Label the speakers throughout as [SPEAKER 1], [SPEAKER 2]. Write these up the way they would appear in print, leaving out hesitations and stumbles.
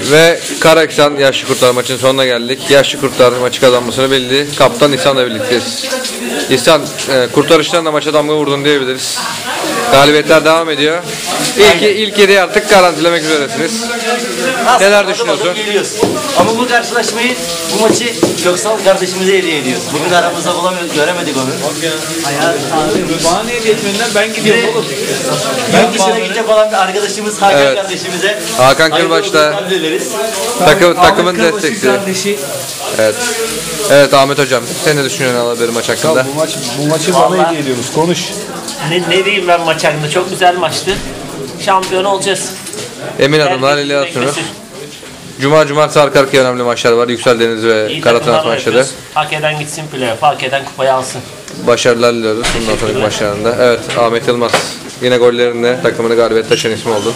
[SPEAKER 1] Ve Karaksan Yaşlı Kurtlar maçının sonuna geldik. Yaşlı Kurtlar maçı kazanmasını bildi. Kaptan İhsan'la birlikteyiz. İhsan, kurtarışlarla maça damga vurdun diyebiliriz. Galibiyetler devam ediyor. İlk 7'yi artık garantilemek üzeresiniz. Neler düşünüyorsun?
[SPEAKER 2] Ama bu karşılaşmayı, bu maçı Köksal kardeşimize hediye ediyoruz. Bugün aramızda göremedik onu.
[SPEAKER 3] Bana ne hediye etmediler, ben gidiyorum oğlum.
[SPEAKER 2] Yurt dışına gidecek olan bir arkadaşımız Hakan kardeşimize.
[SPEAKER 1] Hakan Kırbaş'ta takımın destekçisi. Evet. Evet Ahmet hocam, sen ne düşünüyorsun Alaberi maç hakkında?
[SPEAKER 4] Bu maçı bana hediye ediyoruz. Konuş.
[SPEAKER 5] Ne diyeyim ben maç hakkında? Çok güzel maçtı. Şampiyon olacağız.
[SPEAKER 1] Emin adımlar ile atıyoruz. Cumartesi arka arkaya önemli maçlar var. Yüksel Deniz ve Karatanat maçları.
[SPEAKER 5] Hak eden gitsin playoff, hak eden kupayı alsın.
[SPEAKER 1] Başarılar diliyoruz bundan sonraki maçlarında. Evet, Ahmet Yılmaz yine gollerinde takımını galibiyet taşıyan ismi oldu.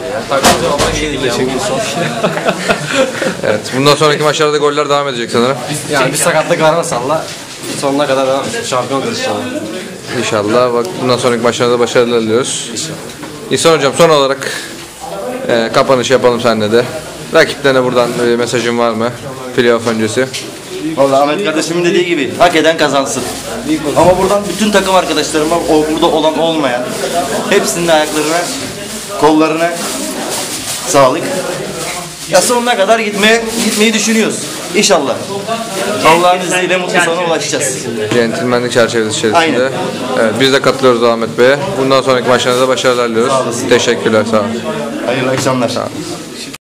[SPEAKER 1] Evet, bundan sonraki maçlarda goller devam edecek sanırım.
[SPEAKER 6] Yani bir sakatlık varmasalla sonuna kadar devam edeceğiz. Şampiyon olacağız inşallah.
[SPEAKER 1] İnşallah. Bak, bundan sonraki maçlarda başarılar diliyoruz. İhsan hocam, son olarak kapanış yapalım seninle de. Rakiplerine buradan bir mesajın var mı? Playoff öncesi.
[SPEAKER 2] Vallahi Ahmet kardeşimin dediği gibi hak eden kazansın. Ama buradan bütün takım arkadaşlarıma, burada olan olmayan hepsinin ayaklarına, kollarına sağlık. Ya sonuna kadar gitmeyi düşünüyoruz. İnşallah. Allah'ın izniyle mutlu sona ulaşacağız.
[SPEAKER 1] Centilmenlik çerçevesi içerisinde. Evet, biz de katılıyoruz Ahmet Bey'e. Bundan sonraki maçlarınızda başarılar diliyoruz. Teşekkürler, sağ olun.
[SPEAKER 2] Hayırlı akşamlar.
[SPEAKER 1] Sağ olun.